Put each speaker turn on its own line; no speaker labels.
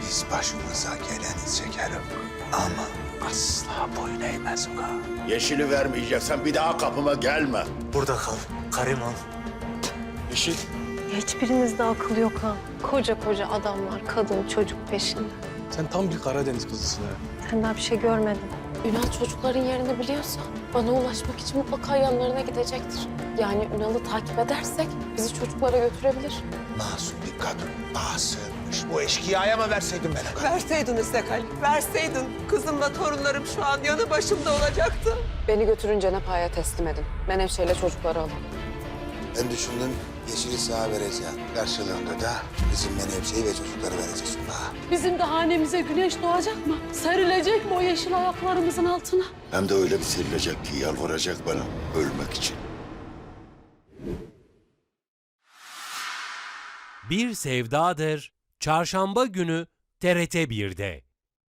Biz başımıza geleni çekerim ama asla boyun eğmez ulan.
Yeşili vermeyeceksen bir daha kapıma gelme.
Burada kal. Kariman.
Yeşil.
Hiçbirinizde akıl yok ha. Koca koca adamlar, kadın, çocuk peşinde.
Sen tam bir Karadeniz kızısın ha.
Sen daha bir şey görmedin.
Ünal çocukların yerini biliyorsa bana ulaşmak için mutlaka yanlarına gidecektir. Yani Ünal'ı takip edersek bizi çocuklara götürebilir.
Masum bir kadın daha sığınmış. Bu eşkıyaya mı verseydin bana?
Verseydin İstekal, verseydin. Kızımla torunlarım şu an yanı başımda olacaktı.
Beni götürün Cenap-Ağa'ya teslim edin. Menevşe ile çocukları alın.
Ben düşündüm Yeşil'i sana vereceğim. Karşılığında da bizim Menevşe'yi ve çocukları vereceksin bana.
Bizim de hanemize güneş doğacak mı? Serilecek mi o yeşil ayaklarımızın altına?
Hem de öyle bir serilecek ki yalvaracak bana ölmek için.
Bir Sevdadır Çarşamba günü TRT 1'de.